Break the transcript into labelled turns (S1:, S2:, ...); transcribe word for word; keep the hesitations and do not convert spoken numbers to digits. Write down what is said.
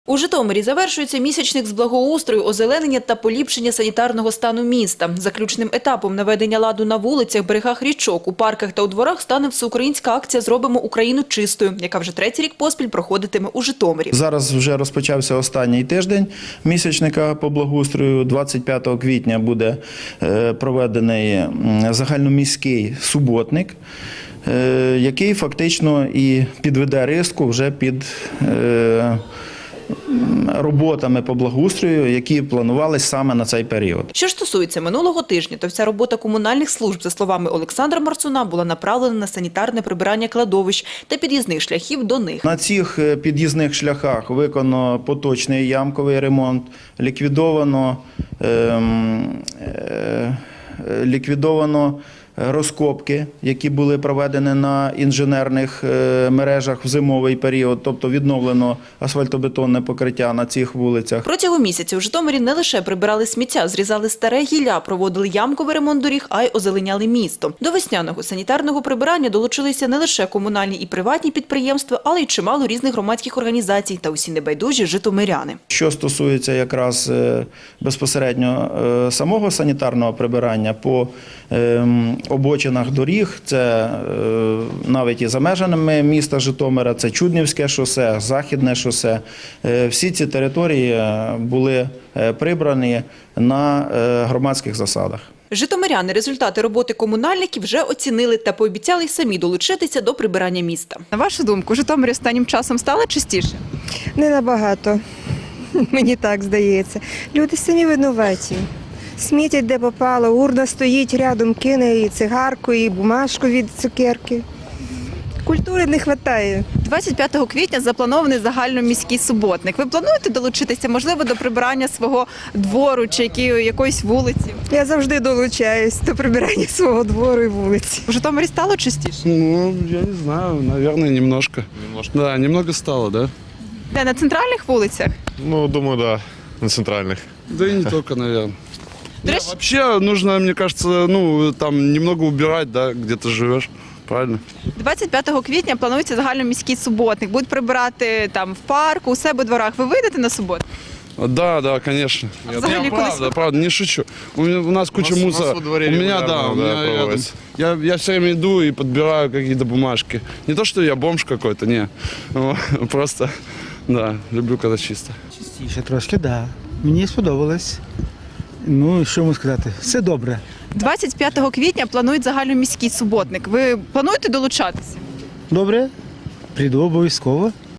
S1: У Житомирі завершується місячник з благоустрою, озеленення та поліпшення санітарного стану міста. Заключним етапом наведення ладу на вулицях, берегах річок, у парках та у дворах стане всеукраїнська акція «Зробимо Україну чистою», яка вже третій рік поспіль проходитиме у Житомирі.
S2: Зараз вже розпочався останній тиждень місячника по благоустрою. двадцять п'ятого квітня буде проведений загальноміський суботник, який фактично і підведе риску вже під роботами по благоустрою, які планувалися саме на цей період.
S1: Що ж стосується минулого тижня, то вся робота комунальних служб, за словами Олександра Марцуна, була направлена на санітарне прибирання кладовищ та під'їзних шляхів до них.
S2: На цих під'їзних шляхах виконано поточний ямковий ремонт, ліквідовано, ем, е, ліквідовано розкопки, які були проведені на інженерних мережах в зимовий період, тобто відновлено асфальтобетонне покриття на цих вулицях.
S1: Протягом місяця у Житомирі не лише прибирали сміття, зрізали старе гілля, проводили ямковий ремонт доріг, а й озеленяли місто. До весняного санітарного прибирання долучилися не лише комунальні і приватні підприємства, але й чимало різних громадських організацій та усі небайдужі житомиряни.
S2: Що стосується якраз безпосередньо самого санітарного прибирання по обочинах доріг, це навіть і за межами міста Житомира, це Чуднівське шосе, Західне шосе. Всі ці території були прибрані на громадських засадах.
S1: Житомиряни результати роботи комунальників вже оцінили та пообіцяли й самі долучитися до прибирання міста. На вашу думку, Житомир останнім часом стало чистіше?
S3: Не набагато, мені так здається. Люди самі винуваті. Смітять де попало, урна стоїть рядом, кине і цигарку, і бумажку від цукерки. Культури не вистачає.
S1: двадцять п'ятого квітня запланований загальноміський суботник. Ви плануєте долучитися, можливо, до прибирання свого двору чи якоїсь вулиці?
S3: Я завжди долучаюсь до прибирання свого двору і вулиці.
S1: У Житомирі стало чистіше?
S4: Ну, я не знаю, наверное, немножко. Немножко? Да, немного стало, да.
S1: Де, на центральних вулицях?
S5: Ну, думаю, да, на центральных.
S4: Да и не только, наверное.
S1: До
S4: Не,
S1: речі,
S4: вообще нужно, мне кажется, ну, там немного убирать, да, где ты живешь, правильно?
S1: двадцять п'ятого квітня планується загальноміський суботник. Будуть прибирати там в парку, у себе у дворах. Ви вийдете на суботу?
S4: Да, да, конечно.
S1: А
S4: Я,
S1: взагалі
S4: я
S1: кудись
S4: правда,
S1: ви-
S4: правда, не шучу. У, меня, у нас куча
S5: У нас- у нас
S4: мусора.
S5: во дворе
S4: у меня,
S5: регулярно,
S4: да, у
S5: да,
S4: меня рядом.
S5: проводится.
S4: Я, я все время иду и подбираю какие-то бумажки. Не то, что я бомж какой-то, не. Просто, да, люблю, когда чисто.
S6: Чистіше трошки, так. Да. Мені сподобалось. Ну, що можу сказати, все добре.
S1: двадцять п'ятого квітня планують загальноміський суботник. Ви плануєте долучатися?
S6: Добре? Прийду обов'язково.